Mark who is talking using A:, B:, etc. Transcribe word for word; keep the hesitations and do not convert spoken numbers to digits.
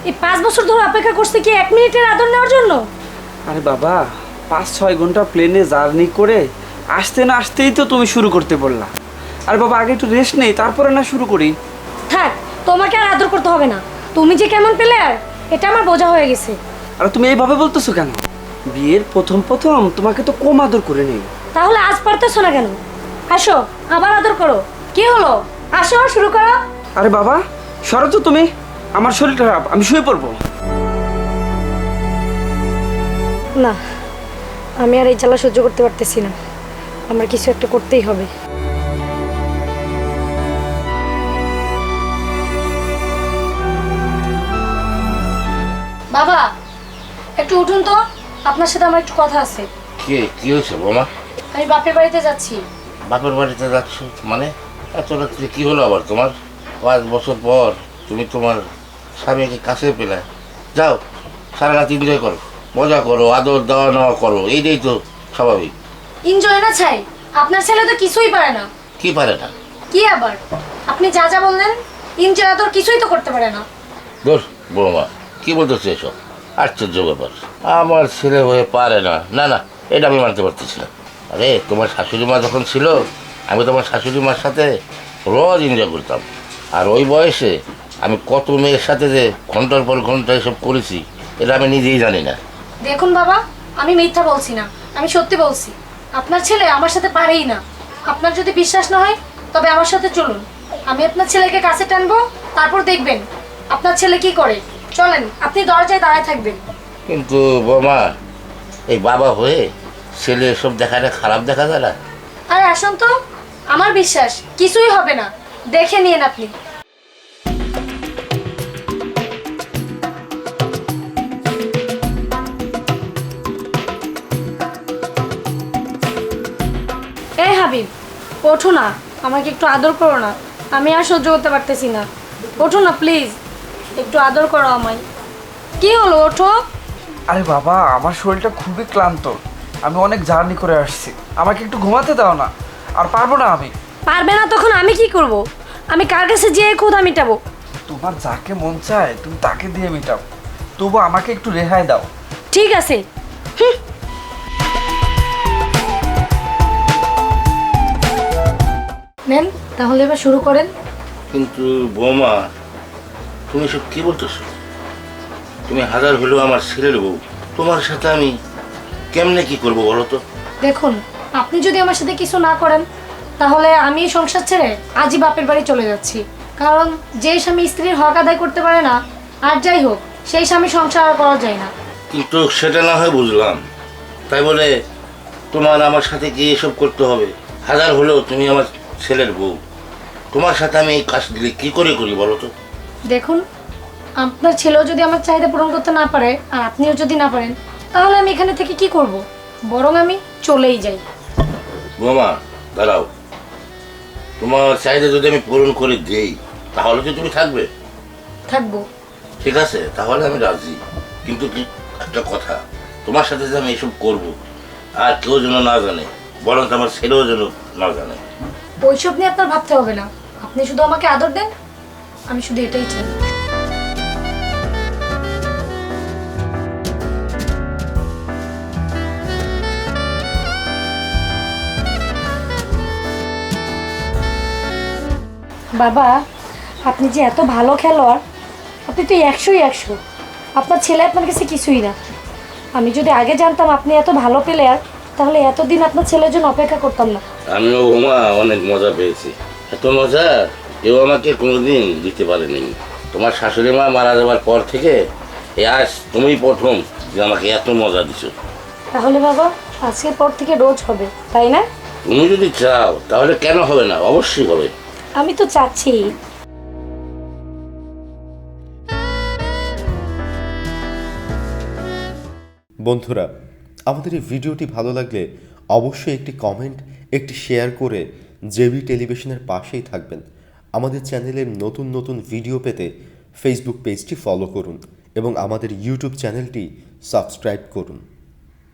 A: এই পাঁচ বছর ধরে অপেক্ষা করছে কি এক মিনিটের আদর নেওয়ার জন্য?
B: আরে বাবা, পাঁচ ছয় ঘন্টা প্লেনে জার্নি করে আসতে না আসতেই তো তুমি শুরু করতে বললা। আরে বাবা, আগে একটু রেস্ট নেই, তারপরে না শুরু করি।
A: থাক, তোমাকে আর আদর করতে হবে না। তুমি যে কেমন প্লেয়ার এটা আমার বোঝা হয়ে গেছে।
B: আর তুমি এইভাবে বলতেছো কেন? বিয়ের প্রথম প্রথম তোমাকে তো কম আদর করে নেই।
A: তাহলে আজ পারতেছো না কেন? আসো, আবার আদর করো। কি হলো? আসো, শুরু করো।
B: আরে বাবা, সরো তো তুমি, আমার শরীরটা খারাপ, আমি শুয়ে পড়বো।
A: না, আমি আর এই জ্বালা সহ্য করতে পারতেছি না। আমার কিছু একটা করতেই হবে। বাবা, একটু উঠুন তো, আপনার সাথে আমার একটু কথা আছে।
C: কি কি হয়েছে বোমা?
A: আমি বাপের বাড়িতে যাচ্ছি।
C: বাপের বাড়িতে যাচ্ছ মানে? এত রাত্রে কি হলো আবার তোমার? পাঁচ বছর পর তুমি তোমার স্বামীকে কাছে পেলে। যাও, সারা রাত এনজয় করো, মজা করো, আদর দেওয়া নেওয়া করো, এইটাই তো স্বাভাবিক।
A: এনজয় না চাই, আপনার ছেলে তো কিছুই পারে না।
C: কি পারে না?
A: কি আবার? আপনি যা যা বললেন, এনজয় তো কিছুই তো করতে পারে না।
C: দোষ বৌমা, কি বলতেছো এসব? আশ্চর্য ব্যাপার, আমার ছেলে হয়ে পারে না? না না, এটা আমি মানতে পারতেছি না। আরে তোমার শাশুড়ি মা যখন ছিল, আমি তোমার শাশুড়ি মার সাথে রোজ এনজয় করতাম। আর ওই বয়সে আমি কত মেয়ের সাথে যে ঘন্টার পর ঘন্টা এসব করেছি, এটা আমি নিজেই জানি না।
A: দেখুন বাবা, আমি মিথ্যা বলছি না, আমি সত্যি বলছি। আপনার ছেলে আমার সাথে পারেই না। আপনার যদি বিশ্বাস না হয় তবে আমার সাথে চলুন, আমি আপনার ছেলেকে কাছে টানবো, তারপর দেখবেন আপনার ছেলে কি করে। চলেন, আপনি দরজায় দাঁড়ায় থাকবেন।
C: কিন্তু বৌমা, এই বাবা হয়ে ছেলে এসব দেখাটা খারাপ দেখা যায় না?
A: আরে আসুন তো, আমার বিশ্বাস কিছুই হবে না, দেখে নিন আপনি। এই হাবিব, ওঠো না, আমাকে একটু আদর করো না। আমি আর সহ্য করতে পারতেছি না। ওঠো না প্লিজ, একটু আদর করো আমায়। কি হলো, ওঠো।
B: আরে বাবা, আমার শরীরটা খুবই ক্লান্ত, আমি অনেক জার্নি করে আসছি, আমাকে একটু ঘুমাতে দাও না। আর পারবো না আমি।
A: পারবে না তখন আমি কি করব? আমি কার কাছে যেয়ে ক্ষুধা মিটাবো?
B: তোমার যাকে মন চায় তুমি তাকে দিয়ে মেটাও, তবু আমাকে একটু রেহাই দাও।
A: ঠিক আছে। হুঁ। নেন, তাহলে এবার শুরু করেন।
C: কিন্তু বৌমা, তুমি সব কি বলতেছো? তুমি হাজার হলেও আমার ছেলের বউ, তোমার সাথে আমি কেমনে কি করবো বলো তো?
A: দেখুন, আপনি যদি আমার সাথে কিছু না করেন তাহলে আমি এই সংসার ছেড়ে আজই বাপের বাড়ি চলে যাচ্ছি। কারণ যে স্বামী স্ত্রীর হক আদায় করতে পারে না, আর যাই হোক, সেই স্বামী সংসার আর করা যায় না।
C: কিন্তু সেটা না হয় বুঝলাম, তাই বলে তোমার আমার সাথে কি এসব করতে হবে? হাজার হলেও তুমি আমার ছেলের বউ, তোমার সাথে আমি এই কাজ দিলে কি করে করি বলো তো?
A: দেখুন, আপনার ছেলেও যদি আমার চাহিদা পূরণ করতে না পারে আর আপনিও যদি না পারেন, তাহলে আমি এখানে থেকে কি করব? বরং আমি চলেই যাই।
C: বৌমা দাঁড়াও, তোমার চাহিদা যদি আমি পূরণ করে দিই তাহলে কি তুমি থাকবে?
A: থাকবো।
C: ঠিক আছে, তাহলে আমি রাজি। কিন্তু কি একটা কথা, তোমার সাথে যে আমি এসব করবো আর কেউ যেন না জানে, বরং আমার ছেলেও যেন না জানে।
A: ওইসব নিয়ে আপনার ভাবতে হবে না, আপনি শুধু আমাকে আদর দেন, আমি শুধু এটাই চাই। বাবা, আপনি যে এত ভালো খেলোয়াড়, আপনি তো একশোই একশো। আপনার ছেলে আপনার কাছে কিছুই না। আমি যদি আগে জানতাম আপনি এত ভালো প্লেয়ার, তাহলে এতদিন আপনার ছেলের জন্য অপেক্ষা করতাম না।
C: আমিও বৌমা অনেক মজা পেয়েছি, এত মজা কেউ আমাকে কোনোদিন দিতে পারেনি। তোমার শাশুড়ি মা মারা যাওয়ার পর থেকে এই আজ তুমি প্রথম যে আমাকে এত মজা দিছো।
A: তাহলে বাবা, আজকের পর থেকে রোজ হবে, তাই না?
C: তুমি যদি চাও তাহলে কেন হবে না, অবশ্যই হবে।
A: আমি তো চাচ্ছি।
D: বন্ধুরা, আমাদের এই ভিডিওটি ভালো লাগলে অবশ্যই একটি কমেন্ট, একটি শেয়ার করে জেবি টেলিভিশনের পাশেই থাকবেন। আমাদের চ্যানেলের নতুন নতুন ভিডিও পেতে ফেসবুক পেজটি ফলো করুন এবং আমাদের ইউটিউব চ্যানেলটি সাবস্ক্রাইব করুন।